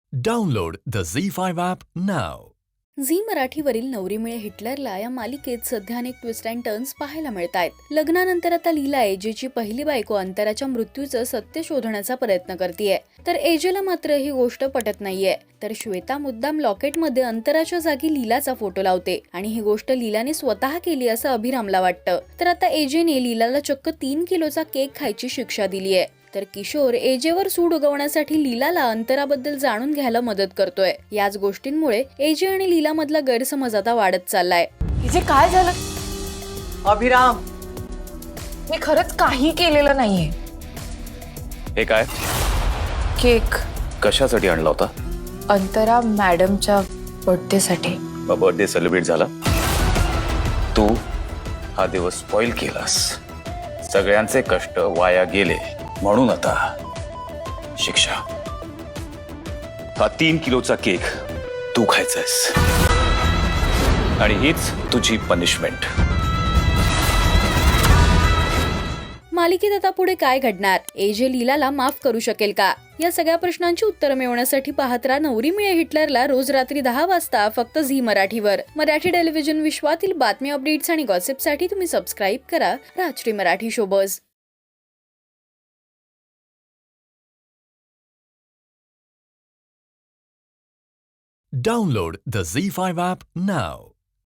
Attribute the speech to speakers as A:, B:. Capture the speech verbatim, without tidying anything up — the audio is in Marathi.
A: Download the Zee five app now.
B: Zee मराठीवरील नवरी मिळे हिटलरला या मालिकेत सध्या अनेक ट्विस्ट अँड टर्न्स पाहायला मिळतायत. लग्नानंतर आता लीला एजेची पहिली बायको अंतराच्या मृत्यूचं सत्य शोधण्याचा प्रयत्न करतेय, तर एजेला मात्र ही गोष्ट पटत नाहीये. तर श्वेता मुद्दाम लॉकेटमध्ये अंतराच्या जागी लीलाचा फोटो लावते आणि ही गोष्ट लीलाने स्वतः केली असं अभिरामला वाटतं. तर आता एजेने लीलाला चक्क तीन किलोचा केक खायची शिक्षा दिली आहे. तर किशोर एजेवर सूड उगवण्यासाठी लीलाला अंतराबद्दल जाणून घ्यायला मदत करतोय. याच गोष्टींमुळे एजे आणि लीला मधला गैरसमज आता वाढत चाललाय.
C: इथे काय झालं? अभिराम, मी खरंच काही केलेलं नाहीये.
D: हे काय?
C: केक
D: कशासाठी आणला होता?
C: अंतरा मॅडमच्या बर्थडे साठी.
D: बर्थडे सेलिब्रेट झाला, तू हा दिवस स्पॉइल केलास, सगळ्यांचे कष्ट वाया गेले, म्हणून आता शिक्षा. हा तीन किलोचा केक तू खायचायस आणि हीच तुझी पनिशमेंट.
B: मालिकेत आता पुढे काय घडणार? एजे लीलाला माफ करू शकेल का? या सगळ्या प्रश्नांची उत्तरं मिळवण्यासाठी पाहत राहा नवरी मिळे हिटलरला रोज रात्री दहा वाजता फक्त झी मराठीवर. मराठी टेलिव्हिजन विश्वातील बातमी, अपडेट्स आणि गॉसिपसाठी तुम्ही सबस्क्राईब करा Rajshri Marathi showbiz.
A: Download the Zee five app now.